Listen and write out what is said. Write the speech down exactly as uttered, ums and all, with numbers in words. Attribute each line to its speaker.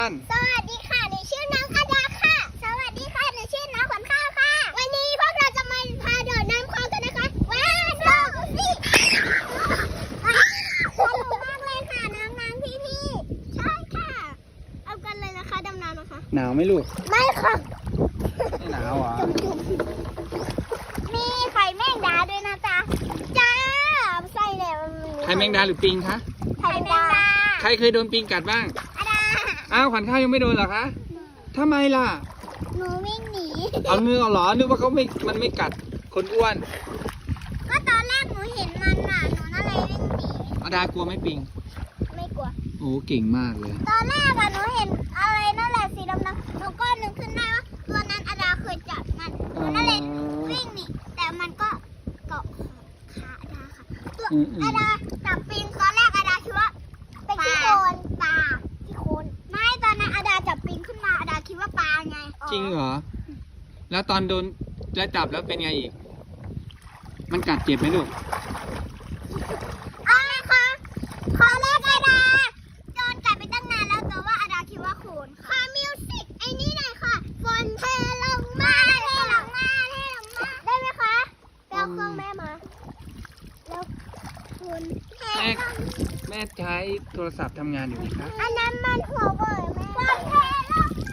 Speaker 1: สวัสดีค่ะหนูชื่อน้องอาดาค่ะสวัสดีค่ะหนูชื่อน้องขวัญข้าวค่ะวันนี้พวกเราจะมาพาโดดน้ำคลองกันนะคะว้าวสนุกสิสนุกมากเลยค่ะน้องน้ำพี่พี่ใช่ค่ะเอากันเลยนะคะดำน้ำนะคะ
Speaker 2: หนาวไหมลูก
Speaker 1: ไม่ค่ะ
Speaker 2: ไม่หนาวเหรอ
Speaker 1: มีไข่แมงดาด้วยนะจ๊ะจ้าใส่แล้ว
Speaker 2: ไข่แมงดาหรือปิงคะ
Speaker 1: ไข่แมงดา
Speaker 2: ใครเคยโดนปิงกัดบ้าง
Speaker 1: อาดา
Speaker 2: อ้าวขวัญข้าวยังไม่โดนเหรอคะทำไมล่ะ
Speaker 1: หนูวิ่งหนี
Speaker 2: เอาเงือเหรอนึกว่าเขาไม่มันไม่กัดคนอ้วน
Speaker 1: ก็ตอนแรกหนูเห็นมันน่ะหนูนั่นเลยวิ่งหนี
Speaker 2: อาดากลัวไหมปิง
Speaker 1: ไม่กลัว
Speaker 2: โอ้เก่งมากเลย
Speaker 1: ตอนแรกอะหนูเห็นอะไรนั่นแหละสีดำๆหนูก็นึกขึ้นได้ว่าตัวนั้นอาดาเคยจับมันหนูนั่นเลยวิ่งหนีแต่มันก็เกาะขาอาดาค่ะตัวอาดาจับปิงตอนแรกอาดาคิดว่าเป็นขี้โคลนปลาขี้โคลนไม่ตอนนั้นอาดาจับปิงขึ้นมาอาดาคิดว่าปลาไง
Speaker 2: จริงเหรอแล้วตอนโดนจะจับแล้วเป็นไงอีกมันกัดเจ็บไหมลูก
Speaker 1: เอาเลยค่ะขอแรกอาดาโดนกัดไปตั้งนานแล้วแต่ว่าอาดาคิดว่าโคลนค่ะมิวสิกไอ้นี่หน่อยค่ะฝนเทลงมาเทลงมาเทลงมาได้ไหมคะไปเอาเครื่องแม่มาแล้วคุณเทลง
Speaker 2: แม่ใช้โทรศัพท์ทำงานอยู่ไหมคะ
Speaker 1: อันนั้นมันหัวเว่ยแม่ฝนเทลงมา